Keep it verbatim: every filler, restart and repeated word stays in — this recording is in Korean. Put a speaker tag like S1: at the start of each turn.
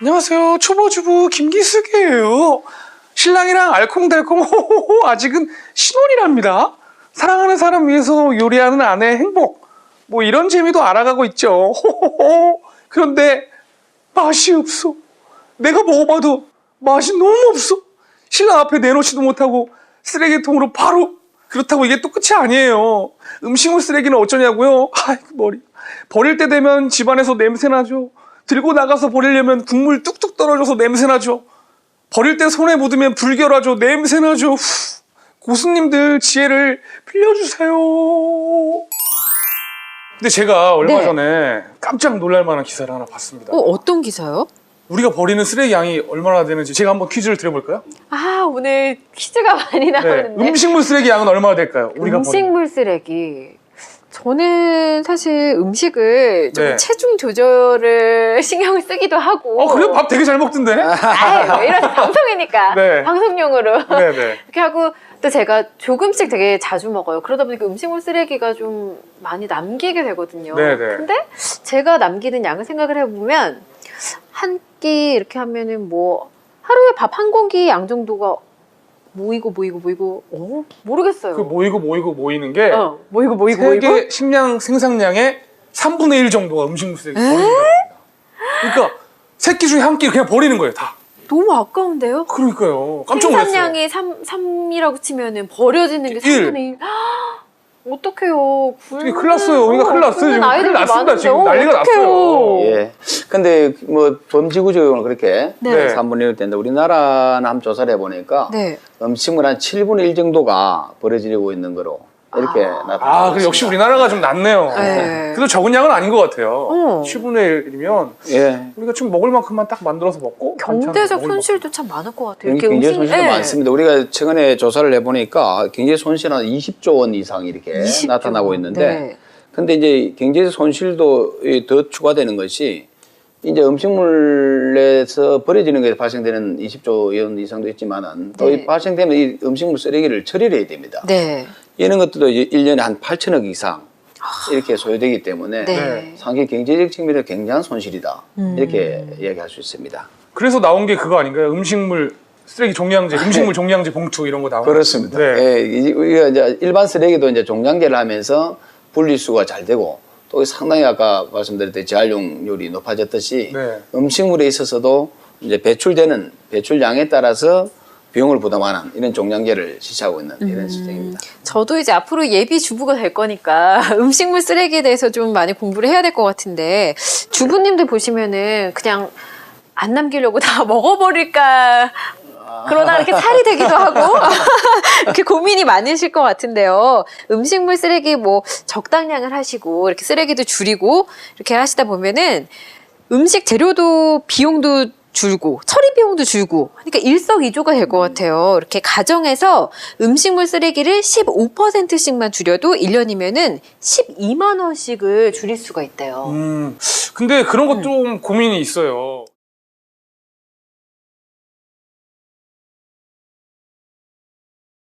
S1: 안녕하세요. 초보주부 김기숙이에요. 신랑이랑 알콩달콩 호호호 아직은 신혼이랍니다. 사랑하는 사람 위해서 요리하는 아내의 행복, 뭐 이런 재미도 알아가고 있죠. 호호호. 그런데 맛이 없어. 내가 먹어봐도 맛이 너무 없어. 신랑 앞에 내놓지도 못하고 쓰레기통으로 바로. 그렇다고 이게 또 끝이 아니에요. 음식물 쓰레기는 어쩌냐고요? 아이고 머리. 버릴 때 되면 집안에서 냄새나죠. 들고 나가서 버리려면 국물 뚝뚝 떨어져서 냄새나죠. 버릴 때 손에 묻으면 불결하죠. 냄새나죠. 후. 고수님들 지혜를 빌려주세요. 근데 제가 얼마
S2: 네.
S1: 전에 깜짝 놀랄 만한 기사를 하나 봤습니다.
S2: 어, 어떤 기사요?
S1: 우리가 버리는 쓰레기 양이 얼마나 되는지 제가 한번 퀴즈를 드려볼까요?
S2: 아, 오늘 퀴즈가 많이
S1: 네.
S2: 나오는데.
S1: 음식물 쓰레기 양은 얼마나 될까요? 우리가
S2: 음식물 쓰레기. 저는 사실 음식을 좀
S1: 네.
S2: 체중 조절을 신경을 쓰기도 하고.
S1: 버리는... 어 그래요? 밥 되게 잘 먹던데?
S2: 아유, 뭐 이런 방송이니까.
S1: 네.
S2: 방송용으로.
S1: 네네.
S2: 이렇게 하고 또 제가 조금씩 되게 자주 먹어요. 그러다 보니까 음식물 쓰레기가 좀 많이 남기게 되거든요.
S1: 네네.
S2: 근데 제가 남기는 양을 생각을 해보면 한 끼 이렇게 하면은 뭐 하루에 밥 한 공기 양 정도가 모이고 모이고 모이고 어 모르겠어요.
S1: 그 모이고 모이고 모이는 게
S2: 어, 모이고 모이고 모이고
S1: 세계 식량 생산량의 삼분의 일 정도가 음식물 쓰레기 버리는 겁니다. 그러니까 세 끼 중에 한 끼 그냥 버리는 거예요, 다.
S2: 너무 아까운데요?
S1: 그러니까요. 깜짝 놀랐어요.
S2: 생산량이 삼, 삼이라고 치면은 버려지는 게
S1: 일.
S2: 삼분의 일. 어떡해요.
S1: 되게 큰일 났어요. 우리가 큰일 났어요. 지금 큰일
S2: 아이들도
S1: 났습니다.
S2: 많은데.
S1: 지금
S2: 어,
S1: 난리가
S2: 어떡해요.
S1: 났어요.
S3: 예. 근데 뭐 범지구적으로 그렇게
S2: 네.
S3: 삼분의 일 된다. 우리나라는 한번 조사를 해보니까
S2: 네.
S3: 음식물 한 칠분의 일 정도가 버려지고 있는 거로 이렇게 나타나고
S1: 아, 그래 역시 우리나라가 좀 낫네요.
S2: 네.
S1: 그래도 적은 양은 아닌 것 같아요.
S2: 어.
S1: 칠분의 일이면
S3: 예.
S1: 우리가 지금 먹을 만큼만 딱 만들어서 먹고
S2: 경제적
S1: 반찬 먹을
S2: 손실도 참 많을 것 같아요.
S3: 굉장히
S2: 이렇게 음식-
S3: 손실도
S2: 네.
S3: 많습니다. 우리가 최근에 조사를 해보니까 경제 손실은 한 이십조 원 이상 이렇게
S2: 이십조.
S3: 나타나고 있는데
S2: 네.
S3: 근데 이제 경제 손실도 더 추가되는 것이 이제 음식물에서 버려지는 것에 발생되는 이십조 원 이상도 있지만은 또
S2: 네.
S3: 이 발생되면 이 음식물 쓰레기를 처리를 해야 됩니다.
S2: 네.
S3: 이런 것들도 이제 일 년에 한 팔천억 이상 이렇게 소요되기 때문에
S2: 네.
S3: 상당히 경제적 측면에서 굉장한 손실이다.
S2: 음.
S3: 이렇게 이야기할 수 있습니다.
S1: 그래서 나온 게 그거 아닌가요? 음식물 쓰레기 종량제, 음식물 종량제 봉투 이런 거 나오는
S3: 네. 그렇습니다.
S1: 네.
S3: 예, 이- 우리가 이제 일반 쓰레기도 이제 종량제를 하면서 분리수거가 잘 되고 또 상당히 아까 말씀드렸듯이 재활용률이 높아졌듯이
S1: 네.
S3: 음식물에 있어서도 이제 배출되는 배출량에 따라서 비용을 부담하는 이런 종량제를 실시하고 있는 이런 시스템입니다.
S2: 저도 이제 앞으로 예비 주부가 될 거니까 음식물 쓰레기에 대해서 좀 많이 공부를 해야 될 것 같은데 주부님들 보시면은 그냥 안 남기려고 다 먹어버릴까 그러다 이렇게 살이 되기도 하고 이렇게 고민이 많으실 것 같은데요. 음식물 쓰레기 뭐 적당량을 하시고 이렇게 쓰레기도 줄이고 이렇게 하시다 보면은 음식 재료도 비용도 줄고 처리 비용도 줄고 그러니까 일석이조가 될 것 같아요. 이렇게 가정에서 음식물 쓰레기를 십오 퍼센트씩만 줄여도 일 년이면은 십이만 원씩을 줄일 수가 있대요.
S1: 음, 근데 그런 것 좀 고민이 있어요.